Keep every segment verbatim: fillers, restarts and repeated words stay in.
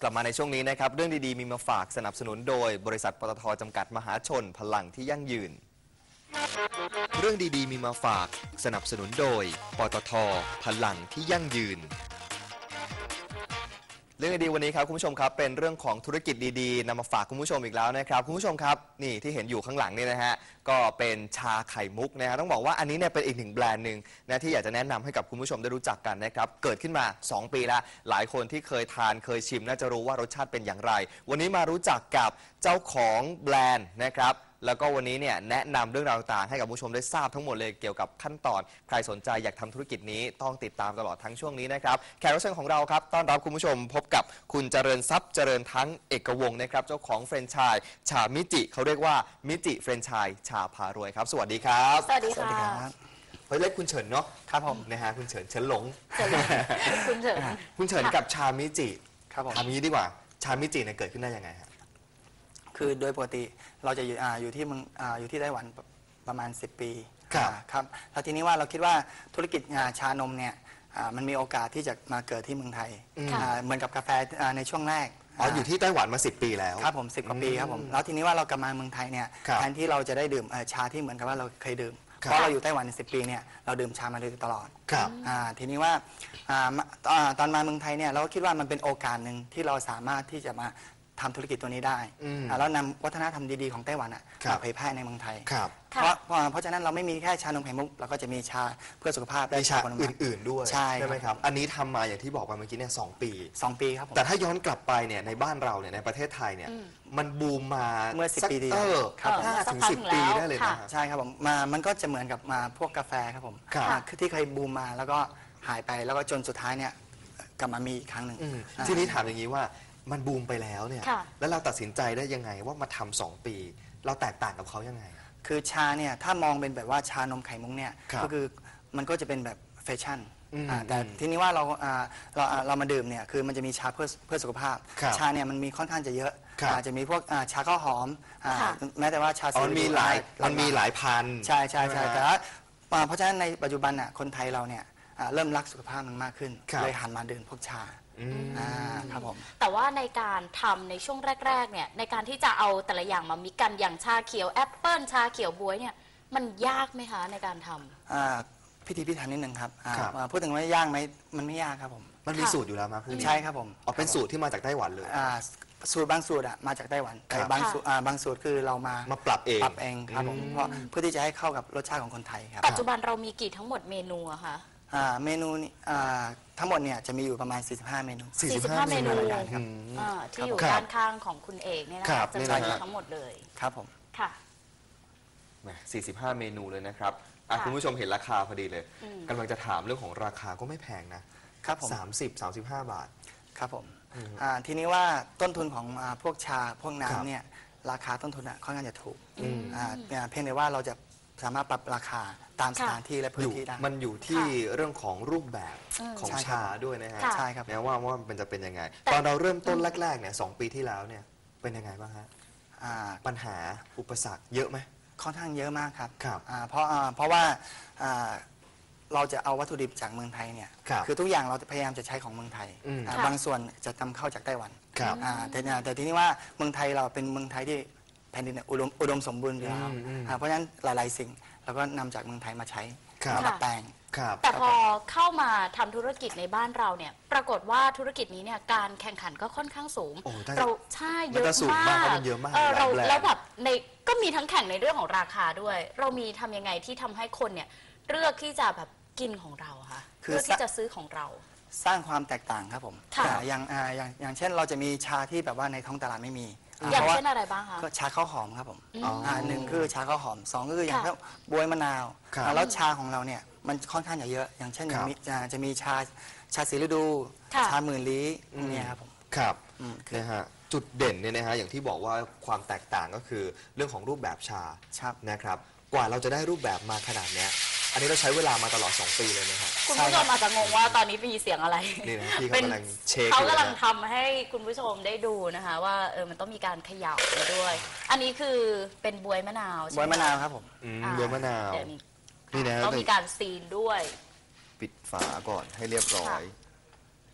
กลับมาในช่วงนี้นะครับเรื่องดีๆมีมาฝากสนับสนุนโดยบริษัทปตท.จำกัดมหาชนพลังที่ยั่งยืนเรื่องดีๆมีมาฝากสนับสนุนโดยปตท.พลังที่ยั่งยืนเรื่องดีๆวันนี้ครับคุณผู้ชมครับเป็นเรื่องของธุรกิจดีๆนำมาฝากคุณผู้ชมอีกแล้วนะครับคุณผู้ชมครับนี่ที่เห็นอยู่ข้างหลังนี่นะฮะก็เป็นชาไข่มุกนะฮะต้องบอกว่าอันนี้เนี่ยเป็นอีกหนึ่งแบรนด์หนึ่งนะที่อยากจะแนะนำให้กับคุณผู้ชมได้รู้จักกันนะครับเกิดขึ้นมาสองปีแล้วหลายคนที่เคยทานเคยชิมน่าจะรู้ว่ารสชาติเป็นอย่างไรวันนี้มารู้จักกับเจ้าของแบรนด์นะครับแล้วก็วันนี้เนี่ยแนะนำเรื่องราวต่างๆให้กับผู้ชมได้ทราบทั้งหมดเลยเกี่ยวกับขั้นตอนใครสนใจอยากทำธุรกิจนี้ต้องติดตามตลอดทั้งช่วงนี้นะครับแขกรับเชิญของเราครับต้อนรับคุณผู้ชมพบกับคุณเจริญทรัพย์เจริญทั้งเอกวงศ์นะครับเจ้าของแฟรนไชส์ชามิจิเขาเรียกว่ามิจิแฟรนไชส์ชาพารวยครับสวัสดีครับสวัสดีค่ะเฮ้ยเรียกคุณเฉินเนาะครับผมนะฮะคุณเฉินเฉินหลงคุณเฉินคุณเฉินกับชามิจิครับผมทำนี้ดีกว่าชามิจิเนี่ยเกิดขึ้นได้ยังไงครับคือโดยปกติเราจะอยู่อ่าอยู่ที่เมืองอ่าอยู่ที่ไต้หวันประมาณสิบปีครับครับแล้วทีนี้ว่าเราคิดว่าธุรกิจอ่าชานมเนี่ยอ่ามันมีโอกาสที่จะมาเกิดที่เมืองไทยอ่าเหมือนกับกาแฟอ่าในช่วงแรกอ๋ออยู่ที่ไต้หวันมาสิบปีแล้วครับผมสิบกว่าปีครับผมแล้วทีนี้ว่าเรากลับมาเมืองไทยเนี่ยครับแทนที่เราจะได้ดื่มเอ่อชาที่เหมือนกับว่าเราเคยดื่มครับเพราะเราอยู่ไต้หวันสิบปีเนี่ยเราดื่มชามาโดยตลอดครับอ่าทีนี้ว่าอ่ามาอ่าตอนมาเมืองไทยเนี่ยเราก็คิดว่ามันเป็นโอกาสหนึ่งที่เราสามารถที่จะมาทำธุรกิจตัวนี้ได้อืมอ่าแล้วนำวัฒนธรรมดีๆของไต้หวันอะครับมาเผยแพร่ในเมืองไทยครับเพราะเพราะเพราะฉะนั้นเราไม่มีแค่ชานมไข่มุกเราก็จะมีชาเพื่อสุขภาพได้มีชาผลไม้อื่นๆด้วยใช่ไหมครับอันนี้ทำมาอย่างที่บอกไปเมื่อกี้เนี่ยสองปีสองปีครับผมแต่ถ้าย้อนกลับไปเนี่ยในบ้านเราเนี่ยในประเทศไทยเนี่ยมันบูมมาเมื่อสิบสักปีที่เอแล้วอครับห้าถึงสิบปีได้เลยนะใช่ครับผมมามันก็จะเหมือนกับมาพวกกาแฟครับผมครับอ่าคือที่เคยบูมมาแล้วก็หายไปแล้วก็จนสุดท้ายเนี่ยกลับมามีอีกครั้งหนึ่งอืมอ่าทีนี้ถามอย่างนี้ว่ามันบูมไปแล้วเนี่ยค่ะแล้วเราตัดสินใจได้ยังไงว่ามาทำสองปี เราแตกต่างกับเขายังไงคือชาเนี่ยถ้ามองเป็นแบบว่าชานมไข่มุกเนี่ยครับก็คือมันก็จะเป็นแบบแฟชั่นอืมอ่าแต่ทีนี้ว่าเราอ่าเราอ่าเรามาดื่มเนี่ยคือมันจะมีชาเพื่อเพื่อสุขภาพครับชาเนี่ยมันมีค่อนข้างจะเยอะครับอ่าจะมีพวกอ่าชาข้าวหอมอ่าค่ะแม้แต่ว่าชาอ๋อมันมีหลายมันมีหลายพันใช่ใช่ใช่ไหมฮะแต่ว่าอ่าเพราะฉะนั้นในปัจจุบันน่ะคนไทยเราเนี่ยอ่าเริ่มรักสุขภาพมันมากขึ้นครับเลยหันมาดื่มพวกชาอืมอ่าครับผมแต่ว่าในการทำในช่วงแรกๆเนี่ยในการที่จะเอาแต่ละอย่างมามิกกันอย่างชาเขียวแอปเปิลชาเขียวบ๊วยเนี่ยมันยากไหมคะในการทำอ่าพิธีพิถันนิดนึงครับอ่าครับอ่าพูดถึงว่ายากไหมมันไม่ยากครับผมมันมีค่ะสูตรอยู่แล้วมั้ยพวกนี้ใช่ครับผมอ๋อเป็นสูตรที่มาจากไต้หวันเลยอ่าสูตรบางสูตรอะมาจากไต้หวันแต่ครับบางสูตรอ่าบางสูตรคือเรามามาปรับเองปรับเองครับผมอืมเพราะเพื่อที่จะให้เข้ากับรสชาติของคนไทยครับปัจจุบันเรามีกี่ทั้งหมดเมนูอะคะอ่าเมนูนี่อ่าทั้งหมดเนี่ยจะมีอยู่ประมาณ สี่สิบห้า เมนูสี่สิบสี่สิบห้าห้าเมนูเมนูครับอืมอ่าที่อยู่ครับด้านข้างของคุณเอกเนี่ยนะครัคะบจะนี่มีนะฮะทั้งหมดเลยครับผมค่ะแหมสี่สิบห้าเมนูเลยนะครับอ่ะค่ะคุณผู้ชมเห็นราคาพอดีเลยอืมกำลังจะถามเรื่องของราคาก็ไม่แพงนะครับผมสามสิบ สามสิบห้าบาทครับผมอืมอ่าทีนี้ว่าต้นทุนของอ่าพวกชาพวกครับน้ำเนี่ยราคาต้นทุนอะค่อนข้างจะถูกอืมอ่าอ่าเพียงแต่ว่าเราจะสามารถปรับราคาตามสค่ะถานที่และอพื้นยู่ที่ได้มันอยู่ที่เรื่องของรูปแบบอืมของใช่ครับชาด้วยนะฮะค่ะใช่ครับนะว่าว่ามันจะเป็นยังไงแต่ตอนเราเริ่มต้นแรกๆเนี่ยสองปีที่แล้วเนี่ยเป็นยังไงบ้างฮะอ่าปัญหาอุปสรรคเยอะไหมค่อนข้างเยอะมากครับครับอ่าเพราะอ่าเพราะว่าอ่าเราจะเอาวัตถุดิบจากเมืองไทยเนี่ยครับอทุกอย่างเราพยายามจะใช้ของเมืองไทยอืมอ่าค่ะบางส่วนจะนำเข้าจากไต้หวันครับอ่าแต่เนี่ยแต่ทีนี้ว่าเมืองไทยเราเป็นเมืองไทยที่แผ่นดินเนี่ยอุดมอุดมสมบูรณ์อยู่แล้วอืมอืมอ่าเพราะฉะนั้นหลาย ๆ สิ่งเราก็นำจากเมืองไทยมาใช้ครับมาดัดแปลงครับแต่พอเข้ามาทำธุรกิจในบ้านเราเนี่ยปรากฏว่าธุรกิจนี้เนี่ยการแข่งขันก็ค่อนข้างสูงโอ้ได้เราใช่เยมันอะจะสูงมามากกเพราะมันเยอะมากเออเราหลายแบรนด์แล้วแบบในก็มีทั้งแข่งในเรื่องของราคาด้วย เรามีทำยังไงที่ทำให้คนเนี่ยเลือกที่จะแบบกินของเราอะคะคือเลือกที่จะซื้อของเราสร้างความแตกต่างครับผมค่ะอ่าอย่างอ่าอย่างอย่างเช่นเราจะมีชาที่แบบว่าในท้องตลาดไม่มีอ่าอย่างพราะว่าเช่นอะไรบ้างคะก็ชาข้าวหอมครับผมอืมอ่าหนึ่งคือชาข้าวหอมสองก็คืออย่างค่ะเช่นบวยมะนาวครับอ่าแล้วชาของเราเนี่ยมันค่อนข้างจะเยอะ อย่างเช่นครับมีอ่าจะมีชาชาสีฤดูค่ะชาหมื่นลี้พวกเนี้ยครับผมครับอืมคือนะฮะจุดเด่นเนี่ยนะฮะอย่างที่บอกว่าความแตกต่างก็คือเรื่องของรูปแบบชาครับนะครับกว่าเราจะได้รูปแบบมาขนาดเนี้ยอันนี้เราใช้เวลามาตลอดสองปีเลยนะครับคุณผู้ชมอาจจะงงว่าตอนนี้มีเสียงอะไรนี่นะพี่เขาเป็นกำลังเช็คเขาอยู่กำลังนะทำให้คุณผู้ชมได้ดูนะคะ ว่าเออมันต้องมีการเขย่าไปด้วย อันนี้คือเป็นบวยมะนาวใช่บไหมวยมะนาวครับผมอืมอ่าเรือมะนาวเดี๋ยวนี้นี่นะต้องมีการซีนด้วยปิดฝาก่อนให้เรียบร้อย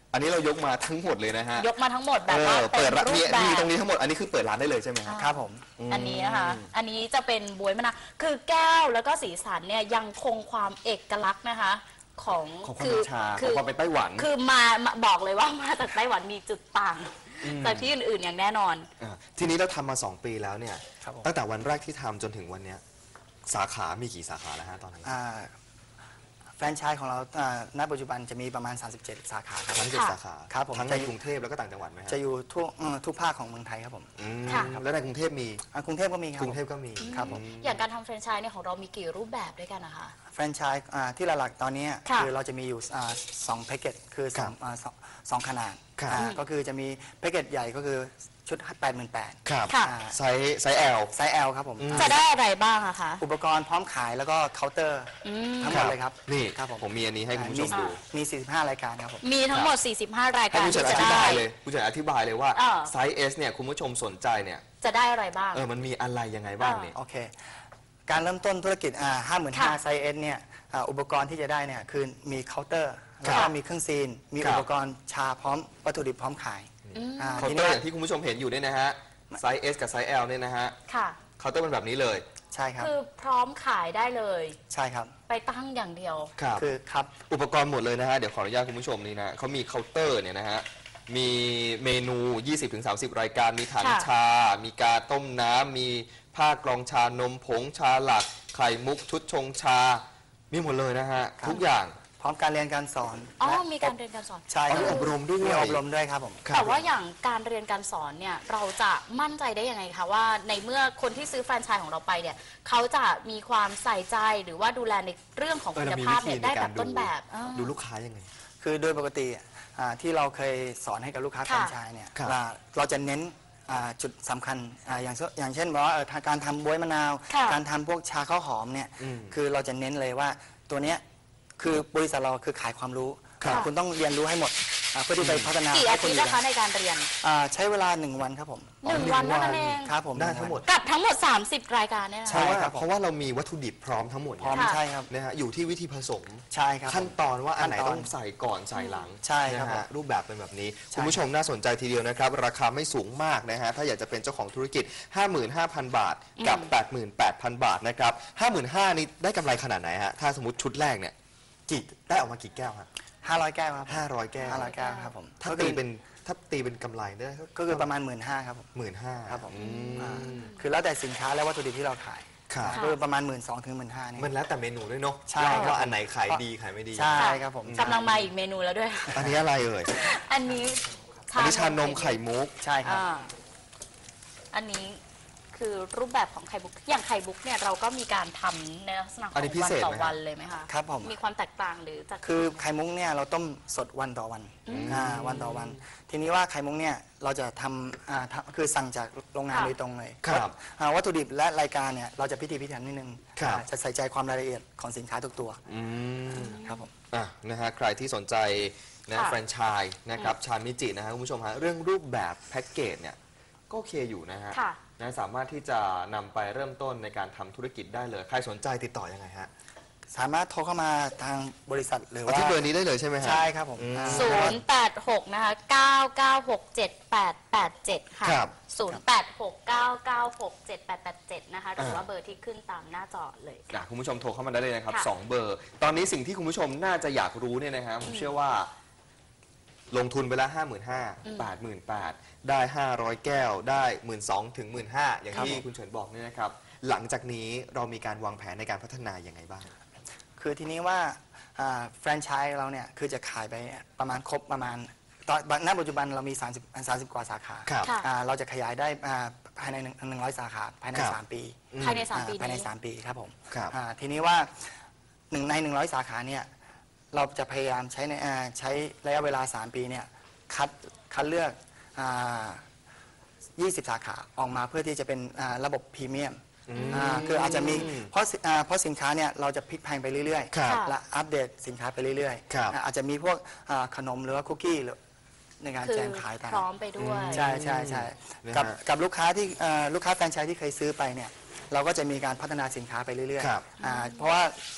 อันนี้เรายกมาทั้งหมดเลยนะฮะยกมาทั้งหมดแบบเอว่าอเต็เปิดมร้านรูมีปแบมีบตรงนี้ทั้งหมดอันนี้คือเปิดร้านได้เลยใช่ไหมครับครับผมอันนี้นะคะอันนี้จะเป็นบวยมะนาวคือแก้วแล้วก็สีสันเนี่ยยังคงความเอกลักษณ์นะคะของของความเป็นชาของความเป็นไต้หวันคือมามาบอกเลยว่ามาจากไต้หวันมีจุดต่างจากที่อื่นๆอย่างแน่นอนอ่าทีนี้เราทำมาสองปีแล้วเนี่ยครับผมตั้งแต่วันแรกที่ทำจนถึงวันเนี้ยสาขามีกี่สาขาแล้วฮะตอนนี้อ่าแฟรนไชส์ของเราอ่าณปัจจุบันจะมีประมาณ สามสิบเจ็ด สาขาครับทั้งเจ็ดสาขาครับผมทั้งในจะอยู่กรุงเทพแล้วก็ต่างจังหวัดไหมฮะจะอยู่ทุกเอ่อทุกภาคของเมืองไทยครับผมอืมค่ะแล้วในกรุงเทพมีอ่ากรุงเทพก็มีครับกรุงเทพก็มีครับผมอย่างการทำแฟรนไชส์เนี่ยของเรามีกี่รูปแบบด้วยกันนะคะแฟรนไชส์อ่าที่หลักๆตอนนี้ค่ะคือเราจะมีอยู่อ่าสองแพ็กเกจคือสองอ่าสองสองขนาดครับอ่าก็คือจะมีแพ็กเกจใหญ่ก็คือชุด แปดหมื่นแปดพันครับค่ะไซส์ไซส์ L ไซส์ L ครับผมอืมจะได้อะไรบ้างอะคะอุปกรณ์พร้อมขายแล้วก็เคาน์เตอร์อืมทั้งหมดเลยครับนี่ครับผมผมมีอันนี้ให้คุณผู้ชมอ่าดูมี สี่สิบห้ารายการครับผมมีทั้งหมด สี่สิบห้า รายให้การคุณเฉินที่อจะธิได้บายเลยคุณเฉินอธิบายเลยว่าเออไซส์ S เนี่ยคุณผู้ชมสนใจเนี่ยจะได้อะไรบ้างเออมันมีอะไรยังไงบ้างเนี่ยโอเค การเริ่มต้นธุรกิจห้าหมื่นห้าค่ะไซส์เอสเนี่ยอ่าอุปกรณ์ที่จะได้เนี่ยคือมีเคาน์เตอร์ครัแล้วบก็มีเครื่องซีน มีครับอุปกรณ์ชาพร้อมวัตถุดิบพร้อมขายอ่าเคาน์ทีเตอนี้ร์อย่างที่คุณผู้ชมเห็นอยู่เนี่ยนะฮะไซส์ S กับไซส์ L เนี่ยนะฮะค่ะเคาน์เตอร์เป็นแบบนี้เลยใช่ครับคือพร้อมขายได้เลยใช่ครับไปตั้งอย่างเดียวครับคือครับอุปกรณ์หมดเลยนะฮะ เดี๋ยวขออนุญาตคุณผู้ชมนี่นะเขามีเคาน์เตอร์เนี่ยนะฮะ มีเมนู ยี่สิบถึงสามสิบ รายการ มีถังค่ะชา มีกาต้มน้ำ มีผ้ากรองชานมผงชาหลัก ไข่มุกชุดชงชา มีหมดเลยนะฮะครับทุกอย่างพร้อมการเรียนการสอนอ๋อและมีการเรียนการสอนใช่อ๋อคมีรับอบรมด้วยมีอบรมด้วยครับผมครับแต่ว่าอย่างการเรียนการสอนเนี่ยเราจะมั่นใจได้ยังไงคะว่าในเมื่อคนที่ซื้อแฟรนไชส์ของเราไปเนี่ยเขาจะมีความใส่ใจหรือว่าดูแลในเรื่องของเออคุณเรามีภาพวิธีเนี่ยในได้กาแบรบดูต้นแบบเออดูลูกค้ายังไงคือโดยปกติอ่าที่เราเคยสอนให้กับลูกค้าแฟรค่ะนไชส์เนี่ยครับว่าเราจะเน้นอ่าจุดสำคัญอ่าอย่างเช่นอย่างเช่นว่าเอ่อการทำบ๊วยมะนาวค่ะการทำพวกชาข้าวหอมเนี่ยอืมคือเราจะเน้นเลยว่าตัวเนี้ยคือบริษัทเราคือขายความรู้ครับคุณต้องเรียนรู้ให้หมดอ่าเพื่อที่ไปพัฒนากี่ให้อาคนทิตย์อื่นะนคะในการเรียนอ่าใช้เวลาหนึ่งวันครับผมหนึ่งวันเท่านั้นเองครับผมได้ทั้งหมดกับทั้งหมด สามสิบ รายการเนี่ยนะใช่เพราะว่าครับผมเพราะว่าเรามีวัตถุดิบพร้อมทั้งหมดพร้อมค่ะใช่ครับนะฮะ อยู่ที่วิธีผสมใช่ครับขั้นตอนว่าอันไหนขั้นตอนต้องใส่ก่อนใส่หลังใช่ครับนะฮะรูปแบบเป็นแบบนี้ใช่คุณผู้ชมน่าสนใจทีเดียวนะครับ ราคาไม่สูงมากนะฮะ ถ้าอยากจะเป็นเจ้าของธุรกิจ ห้าหมื่นห้าพัน บาท กับ แปดหมื่นแปดพัน บาทนะครับ ห้าหมื่นห้าพัน นี่ได้กำไรขนาดไหนฮะ ถ้าสมมติชุดแรกเนี่ยกี่ได้ออกมากี่แก้วฮะห้าร้อยแก้วครับห้าร้อยแก้วห้าร้อยแก้วครับผมถ้าก็ตีคือเป็นถ้าตีเป็นกำไรได้ก็คือประมาณหมื่นห้าครับผมหมื่นห้าครับผมอือ่าม คือแล้วแต่สินค้าและวัตถุดิบที่เราขายครับก็คือประมาณหมื่นสองถึงหมื่นห้านี่มันแล้วแต่เมนูด้วยเนาะใช่ครับว่าอันไหนขายดีขายไม่ดีใช่ครับผมกำลังมาอีกเมนูแล้วด้วยอันนี้อะไรเอ่ยอันนี้อันนี้ชานมไข่มุกใช่ครับอ่าอันนี้คือรูปแบบของไข่มุกอย่างไข่มุกเนี่ยเราก็มีการทำในลักษณะขอัอนนี้งพิวันเศษต่อไหมฮะวันเลยไหมคะครับผมมีความแตกต่างหรือจะคือไข่มุกเนี่ยเราต้มสดวันต่อวันอ่าวันต่อวัน ทีนี้ว่าไข่มุกเนี่ยเราจะทำอ่าทำคือสั่งจากโรงงานค่ะโดยตรงเลยครับอ่าวัตถุดิบและรายการเนี่ยเราจะพิถีพิถันนิดนึงครับอ่าจะใส่ใจความรายละเอียดของสินค้าทุกตัวอืมครับผมอ่ะนะฮะใครที่สนใจนะค่ะแฟรนไชส์นะครับชามิจินะฮะคุณผู้ชมฮะเรื่องรูปแบบแพ็กเกจเนี่ยก็โอเคอยู่นะฮะค่ะนะสามารถที่จะนำไปเริ่มต้นในการทำธุรกิจได้เลย ใครสนใจติดต่อยังไงฮะสามารถโทรเข้ามาทางบริษัทหรือเอาว่าที่เบอร์นี้ได้เลยใช่ไหมฮะใช่ครับผมอืมอ่าศูนย์แปดหกนะคะเก้าเก้าหกเจ็ดแปดแปดเจ็ดค่ะครับศูนย์แปดหกเก้าเก้าหกเจ็ดแปดแปดเจ็ดนะคะหรืออ่าว่าเบอร์ที่ขึ้นตามหน้าจอเลยอ่ะคุณผู้ชมโทรเข้ามาได้เลยนะครับค่ะสองเบอร์ ตอนนี้สิ่งที่คุณผู้ชมน่าจะอยากรู้เนี่ยนะฮะผมเชื่อว่า ลงทุนไปแล้วห้าหมื่นห้าแปดหมื่นแปดได้ห้าร้อยแก้วได้หมื่นสองถึงหมื่นห้าอย่างครับที่ผมคุณเฉินบอกเนี่ยนะครับ หลังจากนี้เรามีการวางแผนในการพัฒนาอย่างไงบ้างคือทีนี้ว่าอ่าแฟรนไชส์เราเนี่ยคือจะขายไปประมาณครบประมาณตอนณปัจจุบันเรามี 30 30 กว่าสาขาครับค่ะอ่าเราจะขยายได้อ่าภายในหนึ่งร้อยสาขาภายในครับสามปีภายในสามอ่ปีภายในนี้สามปีครับผมครับอ่าทีนี้ว่าหนึ่งในหนึ่งร้อยสาขาเนี่ยเราจะพยายามใช้ในอ่าใช้ระยะเวลา สาม ปีเนี่ยคัดคัดเลือกอ่ายี่สิบ สาขาออกมาเพื่อที่จะเป็นอ่าระบบพรีเมียมอ่าคืออาจจะมีเพราะสิอ่าเพราะสินค้าเนี่ยเราจะพลิกแพลงไปเรื่อยครับๆและอัปเดตสินค้าไปเรื่อยครับอ่าอาจจะมีพวกอ่าขนมหรือว่าคุกกี้หรือในการคือแจมขายตามพร้อมไปด้วยใช่ใช่ใช่นะฮะกับกับลูกค้าที่เอ่อลูกค้าแฟรนไชส์ที่เคยซื้อไปเนี่ยเราก็จะมีการพัฒนาสินค้าไปเรื่อยครับๆอ่าเพราะว่า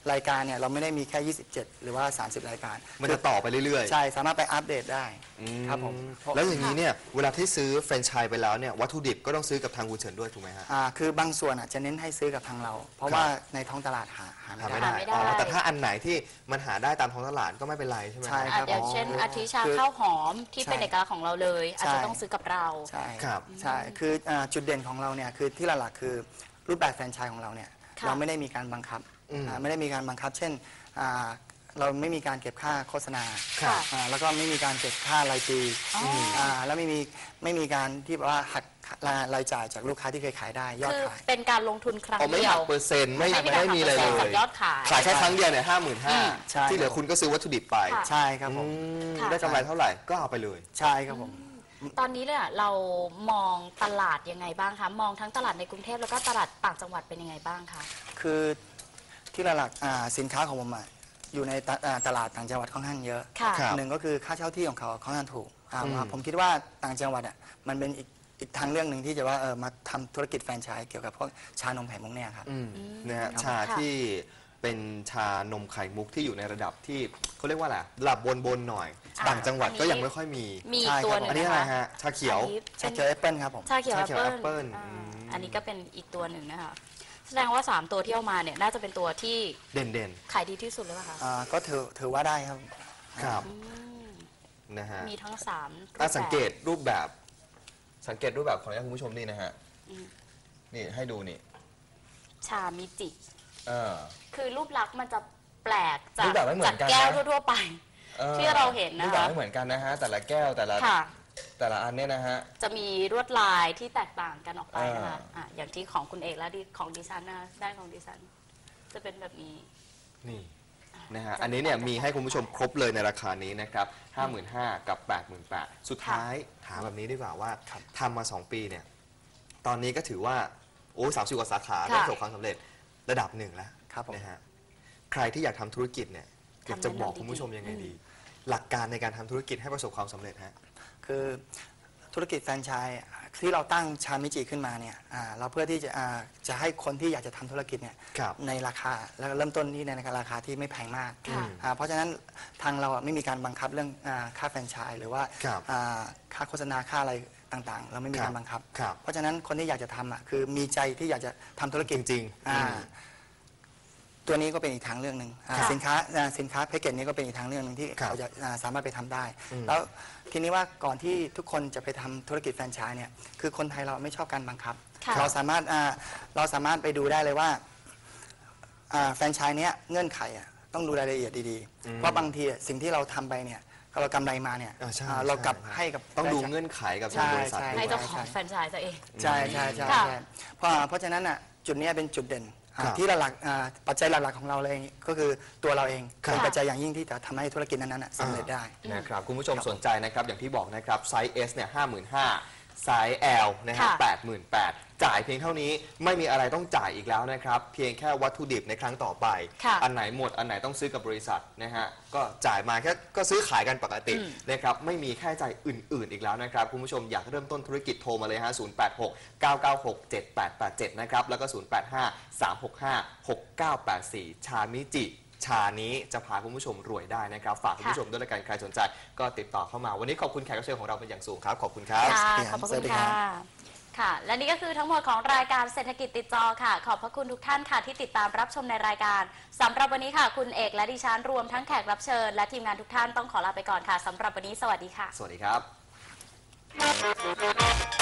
รายการเนี่ยเราไม่ได้มีแค่ ยี่สิบเจ็ด หรือว่า สามสิบ รายการมันจะต่อไปเรื่อยๆใช่สามารถไปอัปเดตได้อืมครับผมแล้วอย่างนี้เนี่ยเวลาที่ซื้อแฟรนไชส์ไปแล้วเนี่ยวัตถุดิบก็ต้องซื้อกับทางคุณเฉินด้วยถูกไหมฮะอ่าคือบางส่วนอ่ะจะเน้นให้ซื้อกับทางเรา เพราะครับว่าในท้องตลาดหาหาหาไม่ไม่ได้ได้ไม่ได้อ๋อแต่ถ้าอันไหนที่มันหาได้ตามท้องตลาดก็ไม่เป็นไรใช่ไหมใช่อ่ะครับอย่างเช่นอ๋ออาทิชาคือข้าวหอมที่เป็นใช่เอกลักษณ์ของเราเลย อาจจะใช่ต้องซื้อกับเราใช่ครับใช่คืออ่าจุดเด่นของเราเนี่ยคือที่หลักๆคือรูปแบบแฟรนไชส์ของเราเนี่ยค่ะเราไม่ได้มีการบังคับอืมอ่าไม่ได้มีการบังคับ เช่นอ่าเราไม่มีการเก็บค่าโฆษณาครับอ่าแล้วก็ไม่มีการเก็บค่ารายปีอ๋ออ่าแล้วไม่มีไม่มีการที่แบบว่าหักรายจ่ายจากลูกค้าที่เคยขายได้ยอดคือขายเป็นการลงทุนครั้งเอาไม่เดียหัวกเปอร์เซ็นต์ไม่ไม่มีไม่มีอะไรเลการหักเปอร์เซ็นต์ยจากยอดขายขายแค่ครั้งเดียวเนี่ยห้าหมื่นห้าใช่ที่เหลือคุณก็ซื้อวัตถุดิบไปค่ะใช่ครับผมอืมค่ะได้กำไรเท่าไหร่ก็เอาไปเลยใช่ครับผมตอนนี้เนี่ยเรามองตลาดยังไงบ้างคะ มองทั้งตลาดในกรุงเทพแล้วก็ตลาดต่างจังหวัดเป็นยังไงบ้างคะคือที่หลักๆอ่าสินค้าของผมอะอยู่ในตะอ่าตลาดต่างจังหวัดค่อนข้างเยอะค่ะครับหนึ่งก็คือค่าเช่าที่ของเขาค่อนข้างถูกอ่าอืมผมคิดว่าต่างจังหวัดอ่ะมันเป็นอีกอีกทางเรื่องหนึ่งที่จะว่าเออมาทำธุรกิจแฟรนไชส์เกี่ยวกับพวกชานมไข่มุกเนี่ยครับอืมนะฮะครับชาค่ะที่เป็นชานมไข่มุกที่อยู่ในระดับที่เขาเรียกว่าอะไรระดับบนบนๆหน่อยอ่าต่างจังหวัดอันนี้ก็ยังไม่ค่อยมีมีใช่อีกตัวครับหนึ่งอันนี้นะอะไรคะฮะชาเขียวอันนี้ชาเป็นเขียวแอปเปิลครับผมชาเขียวชาเขียวแอแอปปเปิเปิ้ลลอ่าอืมอันนี้ก็เป็นอีกตัวหนึ่งนะคะ แสดงว่า สาม ตัวที่เอามาเนี่ยน่าจะเป็นตัวที่เด่นเด่นขายดีที่สุดเลยป่ะคะอ่าก็ถือถือว่าได้ครับๆครับอืมนะฮะมีทั้งสามรูปอ่ะแบบสังเกตรูปแบบ สังเกตรูปแบบของคุณผู้ชมนี่นะฮะอืมนี่ให้ดูนี่ชามิจิเออคือรูปลักษณ์มันจะแปลกจารูกปแบบไม่เหมืจาอก นกันนะแก้วทั่วๆไปออที่เราเห็นนะคะรูปแบบไม่เหมือนกันนะฮะแต่ละแก้วแต่ละค่ะแต่ละอันเนี่ยนะฮะจะมีลวดลายที่แตกต่างกันออกไปนะคะอ่าอ่ะอย่างที่ของคุณเอกและที่ของดิฉันนะคะด้านของดิฉัน จะเป็นแบบนี้นี่นะฮะจะอันนี้เนี่ยจะมีให้คุณผู้ชมครบเลยในราคานี้นะครับ ห้าหมื่นห้าพัน กับ แปดหมื่นแปดพัน สุดท้ายถามแบบนี้ดีกว่าว่าทำมา สอง ปีเนี่ย ตอนนี้ก็ถือว่า โอ้สามสิบกว่าสาขาค่ะได้ประสบความสำเร็จระดับหนึ่งแล้วครับผมนะฮะ ใครที่อยากทำธุรกิจเนี่ยอยากจะบอกคุณผู้ชมยังไงดี หลักการในการทำธุรกิจให้ประสบความสำเร็จฮะคือธุรกิจแฟรนไชส์ที่เราตั้งชามิจิขึ้นมาเนี่ยอ่าเราเพื่อที่จะอ่าจะให้คนที่อยากจะทำธุรกิจเนี่ยครับในราคาแล้วก็เริ่มต้นที่ในราคาที่ไม่แพงมากค่ะอ่าเพราะฉะนั้นทางเราอ่ะไม่มีการบังคับเรื่องอาค่าแฟรนไชส์หรือว่าครับอ่าค่าโฆษณาค่าอะไรต่างๆ เราไม่มีครับการบังคับครับเพราะฉะนั้นคนที่อยากจะทำอ่ะคือมีใจที่อยากจะทำธุรกิจจริงๆอ่าอืมตัวนี้ก็เป็นอีกทางเรื่องหนึ่งอ่าค่ะสินค้าอ่าสินค้าแพ็กเกจนี้ก็เป็นอีกทางเรื่องหนึ่งที่ครับเขาจะอ่าสามารถไปทำได้อืมแล้วทีนี้ว่าก่อนที่ทุกคนจะไปทำธุรกิจแฟรนไชส์เนี่ยคือคนไทยเราไม่ชอบการบังคับค่ะเราสามารถอ่าเราสามารถไปดูได้เลยว่าอ่าแฟรนไชส์เนี้ยเงื่อนไขอ่ะต้องดูรายละเอียดดีอืมๆ เพราะบางทีอ่ะสิ่งที่เราทำไปเนี่ยเรากำไรมาเนี่ยอ่าใช่อ่าเรากลับช่ให้กับต้องดูแฟรนไชส์เงื่อนไขกับใช่ทางบริษัทใช่ด้ให้วยเจ้าของแฟรนไชส์ตัวเองใช่ใช่ใช่ค่ะใช่เพราะเพราะฉะนั้นอ่ะจุดเนี้ยเป็นจุดเด่นอ่าครับที่หลักๆอ่าปัจจัยหลักๆของเราเลยก็คือตัวเราเองครับเป็นปัจจัยอย่างยิ่งที่จะทำให้ธุรกิจนั้นๆน่ะสำเร็จได้นะครับคุณผู้ชมสนใจนะครับอย่างที่บอกนะครับไซส์ S เนี่ยห้าหมื่นห้าไซส์ L นะฮะค่ะแปดหมื่นแปดจ่ายเพียงเท่านี้ไม่มีอะไรต้องจ่ายอีกแล้วนะครับ เพียงแค่วัตถุดิบในครั้งต่อไปค่ะอันไหนหมดอันไหนต้องซื้อกับบริษัทนะฮะก็จ่ายมาแค่ก็ซื้อขายกันปกติอืมนะครับไม่มีค่าใช้จ่ายอื่น ๆ อีกแล้วนะครับคุณผู้ชมอยากเริ่มต้นธุรกิจโทรมาเลยฮะศูนย์ แปด หก เก้า เก้า หก เจ็ด แปด แปด เจ็ดนะครับแล้วก็ศูนย์ แปด ห้า สาม หก ห้า หก เก้า แปด สี่ชามิจิชานี้จะพาคุณผู้ชมรวยได้นะครับฝากคุณผู้ชมด้วยละกันใครสนใจก็ติดต่อเข้ามาวันนี้ขอบคุณแขกรับเชิญของเราเป็นอย่างสูงครับขอบคุณครับค่ะครับขอบพระสวัคุสณดีครัค่ะบค่ะ และนี่ก็คือทั้งหมดของรายการเศรษฐกิจติดจอค่ะ ขอบพระคุณทุกท่านค่ะที่ติดตามรับชมในรายการสำหรับวันนี้ค่ะ คุณเอกและดิฉันรวมทั้งแขกรับเชิญและทีมงานทุกท่านต้องขอลาไปก่อนค่ะสำหรับวันนี้สวัสดีค่ะสวัสดีครับ